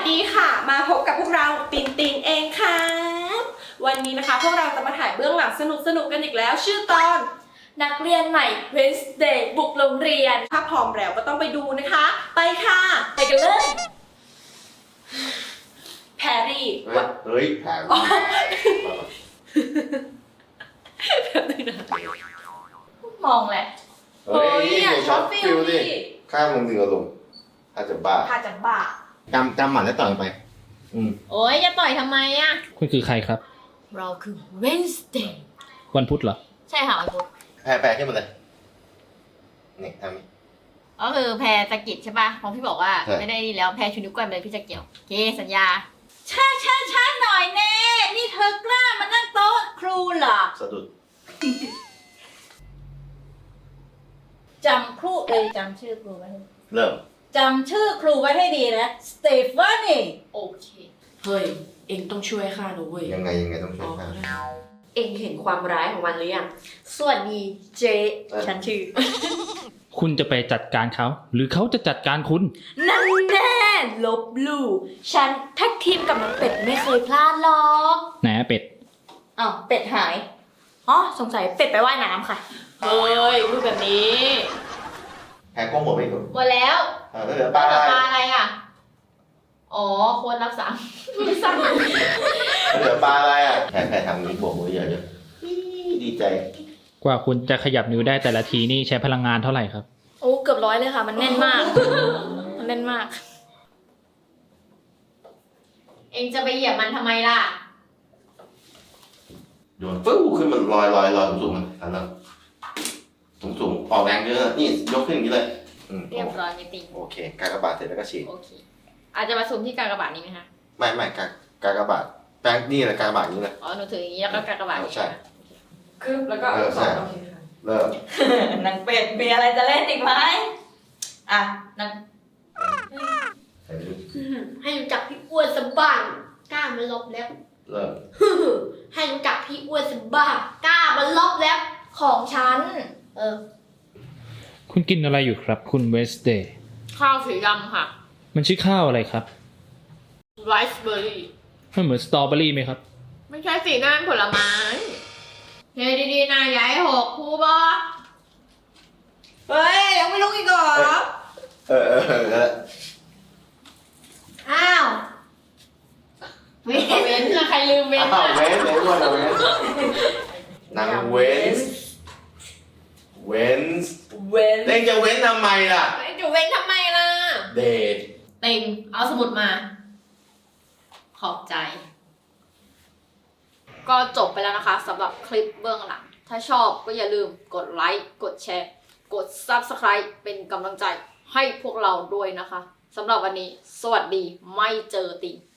ดีค่ะมาพบกับพวกเราตินตินเองค่ะวันนี้นะคะพวกเราจะมาถ่ายเบื้องหลังสนุกกันอีกแล้วชื่อตอนนักเรียนใหม่ Wednesday บุกโรงเรียนถ้าพร้อมแล้วก็ต้องไปดูนะคะไปค่ะไปกันเลยแพรรี่เฮ้ยแผลมองแหละเฮ้ยช็อตฟิลดิข้ามมึงถึงอารมณ์ถ้าจะบ้าถ้าจะบ้าจำหมันแล้วต่อยไปโอ้ยจะต่อยทำไมอ่ะคุณคือใครครับเราคือ Wednesday วันพุธเหรอใช่ค่ะวันพุธแพ้ขึ้นมาเลยนี่ทำนี่ก็คือแพรตะกิดใช่ป่ะของพี่บอกว่าไม่ได้นี่แล้วแพรชูนิ้วก้อยเลยพี่จะเกี่ยวโอเคสัญญาช้าหน่อยแน่นี่เธอกล้ามานั่งโต๊ะครูเหรอสะดุดจำครูจำชื่อครูไว้เริ่มจำชื่อครูไว้ให้ดีนะสเตฟานีโอเคเฮ้ยเอ็งต้องช่วยข้าหนูเว้ยยังไงต้องช่วยข้าเอ็งเห็นความร้ายของมันหรือยังสวัสดีเจฉันชื่อคุณจะไปจัดการเขาหรือเขาจะจัดการคุณนั่นแน่ลบลู่ฉันแท็กทีมกับน้องเป็ดไม่เคยพลาดหรอกไหนเป็ดอ้าวเป็ดหายอ๋อสงสัยเป็ดไปว่ายน้ำค่ะเฮ้ยพูดแบบนี้แพ้ก้มหัวไปก่อนหมดแล้วเหลือปลาอะไรอ่ะอ๋อควรรักษาเหลือปลาอะไรอ่ะแพ้ทำนี้บวกมือเยอะดีใจกว่าคุณจะขยับนิ้วได้แต่ละทีนี่ใช้พลังงานเท่าไหร่ครับโอ้เกือบ100เลยค่ะมันแน่นมากมันแน่นมากเองจะไปเหยียบมันทำไมล่ะโยนฟื้ขึ้นมันลอยสูงมันอันนั้นสูงออกแรงเยอะนี่ยกขึ้นอย่างนี้เลยเรียบร้อยไม่ติงโอเคกากบาทเสร็จแล้วก็ฉีดโอเคอาจจะมาซูมที่กากบาทนี้ไหมคะไม่กากบาทแป้งนี่แหละกากบาทนี้เลยอ๋อหนูถืออย่างนี้แล้วก็กากบาทใช่คือแล้วก็โอเคค่ะเริ่มนางเป็ดมีอะไรจะเล่นอีกไหมอ่ะนางให้รู้จักพี่อ้วนสบ้างกล้ามาลบแล้วเริ่มให้รู้จักพี่อ้วนสบ้างกล้ามาลบแล้วของฉันคุณกินอะไรอยู่ครับคุณเวสเดย์ข้าวสีดำค่ะมันชื่อข้าวอะไรครับไรซ์เบอร์รี่มันเหมือนสตรอเบอรี่ไหมครับไม่ใช่สีนั่นผลไม้เฮ้ยดีๆนะอย่าให้หกครูบอเฮ้ยยังไม่ลุกอีกเหรออ้าวเว้นใครลืมเว้นเว้นนางเว้นเล่นจะเว้นทำไมล่ะจะเว้นทำไมล่ะเดทเต็งเอาสมุดมาขอบใจก็จบไปแล้วนะคะสำหรับคลิปเบื้องหลังถ้าชอบก็อย่าลืมกดไลค์กดแชร์กด Subscribe เป็นกำลังใจให้พวกเราด้วยนะคะสำหรับวันนี้สวัสดีไม่เจอติง